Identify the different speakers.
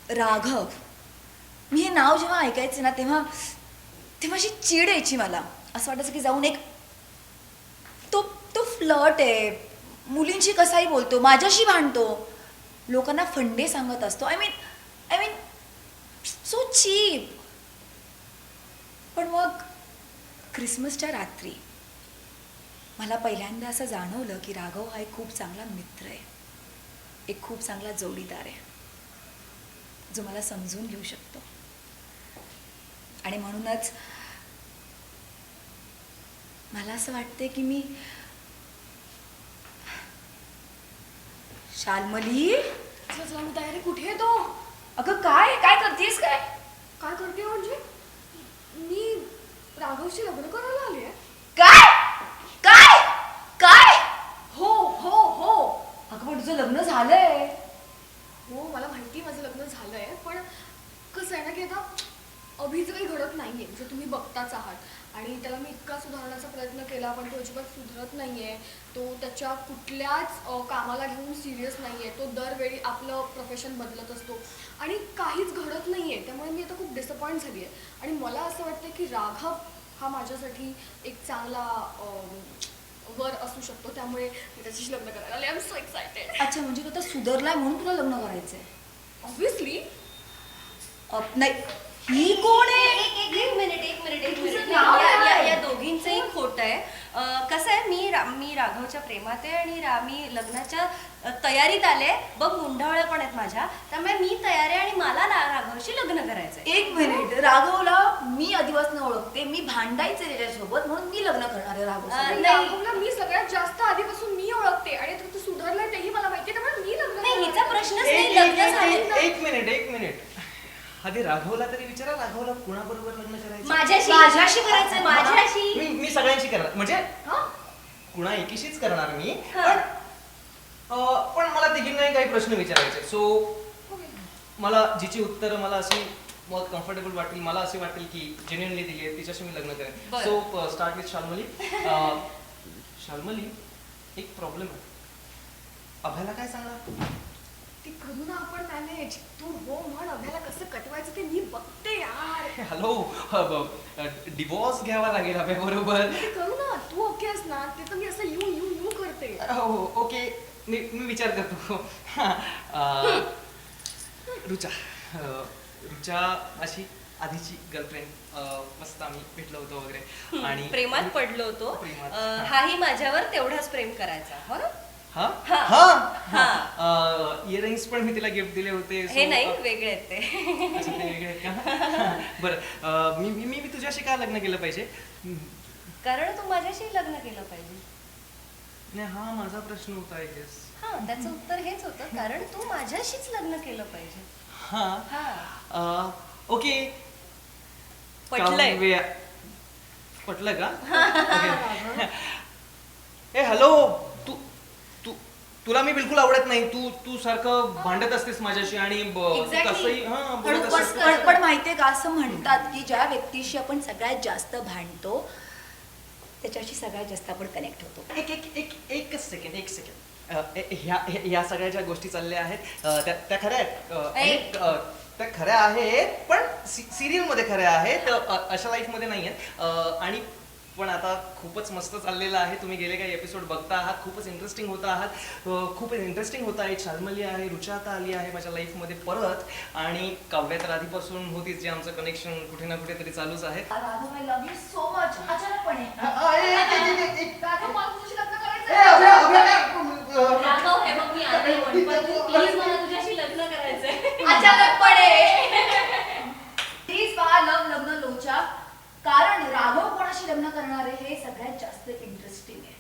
Speaker 1: राघव, मी हे नाव जेव्हा ऐकायचे ना तेव्हा तेव्हा अशी चीड यायची मला. असं वाटायचं की जाऊन एक तो तो फ्लर्ट आहे, मुलींशी कसाही बोलतो, माझ्याशी भांडतो, लोकांना फंडे सांगत असतो. I mean so cheap. पण मग क्रिसमसच्या रात्री मला पहिल्यांदा असं जाणवलं की राघव हा एक खूप चांगला मित्र आहे, एक खूप चांगला जोडीदार आहे, जो मला समजून घेऊ शकतो. आणि म्हणूनच मला असं वाटते की मी शाल्मली.
Speaker 2: चला मी तयारी. कुठे आहे तो?
Speaker 1: अगं काय काय करतेस? काय
Speaker 2: काय करते म्हणजे? मी राघवशी लग्न करायला आली आहे.
Speaker 1: काय काय काय?
Speaker 2: हो हो हो.
Speaker 1: अगं पण तुझं लग्न झालंय.
Speaker 2: हो मला माहिती माझं लग्न झालंय, पण कसं आहे ना की आता अभिचं काही घडत नाहीये, जे तुम्ही बघताच आहात. आणि त्याला मी इतका सुधारण्याचा प्रयत्न केला पण तो अजिबात सुधरत नाहीये. तो त्याच्या कुठल्याच कामाला घेऊन सिरियस नाहीये. तो दरवेळी आपलं प्रोफेशन बदलत असतो आणि काहीच घडत नाहीये. त्यामुळे मी आता खूप डिसअपॉइंट झाली आहे. आणि मला असं वाटतं की राघव हा माझ्यासाठी एक चांगला वर असू शकतो. त्यामुळे मी त्याच्याशी लग्न करायला आले. I am so excited.
Speaker 1: अच्छा, म्हणजे तू आता सुधारलाय म्हणून तुला लग्न करायचंय?
Speaker 2: ऑब्व्हियसली.
Speaker 1: नाही, ही कोण आहे?
Speaker 3: एक मिनिट
Speaker 1: तुझं नाव काय?
Speaker 3: या दोघींचंही खोट आहे. कसं आहे, मी राघवच्या प्रेमात आहे आणि मी लग्नाच्या तयारीत आले. बघ मुंढावळ्या पण आहेत माझ्या, त्यामुळे मी तयार आहे आणि मला राघवशी लग्न करायचंय.
Speaker 1: एक मिनिट, राघवला मी आधीपासून ओळखते, मी भांडायचे त्याच्यासोबत म्हणून मी लग्न करणार आहे राघव.
Speaker 2: राघवला मी सगळ्यात जास्त आधीपासून मी ओळखते आणि तू सुधारलाय तेही मला माहिती, त्यामुळे मी लग्न
Speaker 3: नाही, हिचा प्रश्नच नाही.
Speaker 4: एक
Speaker 3: लग्न झालं
Speaker 4: एक मिनिट आधी राघवला तरी विचारा, राघवला कुणाबरोबर लग्न करायचं?
Speaker 3: माझ्याशी करायचंय. माझ्याशी
Speaker 4: मी सगळ्यांशी करणार, म्हणजे कुणा एकीशीच करणार मी. पण मला तिघींनाही काही प्रश्न विचारायचे. सो मला जिची उत्तर मला अशी बहुत कम्फर्टेबल वाटेल, मला असे वाटेल की जेन्युइनली दिली आहे, तिच्याशी मी लग्न करेन. So start with Shalmali. Shalmali, एक प्रॉब्लेम आहे. अभ्याला काय सांगणार?
Speaker 2: ती करू ना आपण मॅनेज. तू हो म्हण, अभ्याला कसं कटवायचं ते मी बघते यार.
Speaker 4: हॅलो, डिवोर्स घ्यावा लागेल अभ्याबरोबर.
Speaker 2: ते करू ना, तू ओके आहेस ना? ते तर मी असं यू यू यू करते.
Speaker 4: हो ओके, मी विचार करतो. रुचा अशी आधीची गर्लफ्रेंड, मस्त आम्ही भेटलो होतो वगैरे आणि
Speaker 3: प्रेमात पडलो होतो.
Speaker 4: प्रेमात.
Speaker 3: हाही माझ्यावर तेवढाच प्रेम करायचा. हो ना?
Speaker 4: इयरिंग्स पण मी तिला गिफ्ट दिले होते.
Speaker 3: हे नाही, वेगळे आहेत ते.
Speaker 4: अच्छा, ते वेगळे आहेत का? बरं, मी तुझ्याशी का लग्न केलं पाहिजे?
Speaker 3: कारण तू माझ्याशी लग्न केलं पाहिजे.
Speaker 4: नाही, हा माझा प्रश्न होता आय गेस.
Speaker 3: हा, त्याचं उत्तर हेच होतं, कारण तू माझ्याशीच लग्न केलं पाहिजे.
Speaker 4: हा, ओके.
Speaker 3: पटलंय.
Speaker 4: पटलं का? ओके. ए हॅलो, तुला मी बिलकुल आवडत नाही. तू सारखं भांडत असतेस माझ्याशी आणि कसंही बोलत असतेस.
Speaker 1: पण माहितीये का, असं म्हणतात की ज्या व्यक्तीशी आपण सगळ्यात जास्त भांडतो त्याच्याशी सगळ्यात जास्त आपण कनेक्ट होतो.
Speaker 4: एक सेकंड. ह्या सगळ्या ज्या गोष्टी चालल्या आहेत त्या खऱ्या आहेत. त्या खऱ्या आहेत, पण सिरियल मध्ये खऱ्या आहेत, अशा लाईफ मध्ये नाही आहेत. आणि पण आता खूपच मस्त चाललेलं आहे. तुम्ही गेले काही एपिसोड बघता आहात, खूपच इंटरेस्टिंग होत आहे. शाल्मली आहे, रुचा आता आली आहे माझ्या लाईफ मध्ये परत, आणि काव्या तर आधीपासून होतीच, जे आमचं कनेक्शन कुठे ना कुठे तरी चालूच आहे.
Speaker 1: Raghav, I love you so much. अचानकपणे
Speaker 2: राघव, मला तुझ्याशी लग्न करायचं.
Speaker 3: राघव, हे बघ, मी आधी म्हणतो, प्लीज मला तुझ्याशी लग्न करायचंय.
Speaker 1: अचानकपणे. प्लीज पहा लव्ह लग्न लोचा, कारण राघव कोणाशी लग्न करणार आहे हे सगळ्यात जास्त इंटरेस्टिंग आहे.